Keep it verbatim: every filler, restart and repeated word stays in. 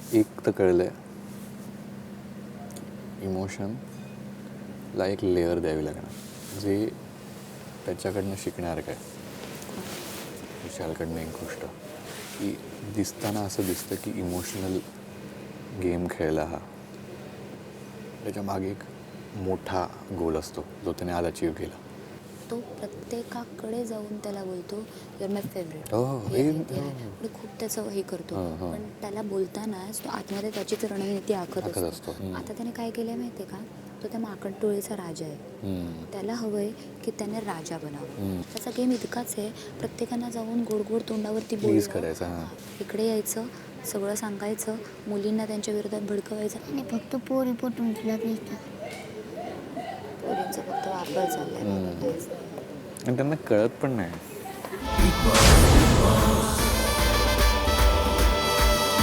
एक तर कळलंय इमोशनला एक लेअर द्यावी लागणार जे त्याच्याकडनं शिकणार काय विशालकडनं एक गोष्ट की दिसताना असं दिसतं की इमोशनल गेम खेळला हा त्याच्या मागे एक मोठा गोल असतो जो त्याने आज अचीव केला. तो प्रत्येकाकडे जाऊन त्याला बोलतो युअर माय फेवरेट हो, हे हे- आहे, ते आहे. पुढे खूप त्याचं हे करतो हो, हो. पण त्याला बोलतानाच तो आतमध्ये त्याचीच रणनीती आखत आखत असतो. असतो. हम्म. आता त्याने काय केलं आहे माहिती आहे का, तो त्या माकड टोळीचा राजा आहे. हम्म. त्याला हवं आहे की त्याने राजा बनावं. हम्म. त्याचा गेम इतकाच आहे, प्रत्येकांना जाऊन गोड गोड तोंडावरती Please बोलणं, करायचं, हां. हां, इकडे यायचं, सगळं सांगायचं, मुलींना त्यांच्या विरोधात भडकवायचं. आणि फक्त पोरी पटून तुला भेटतात. पोरींचा फक्त वापर चाललाय. आणि त्यांना कळत पण नाही.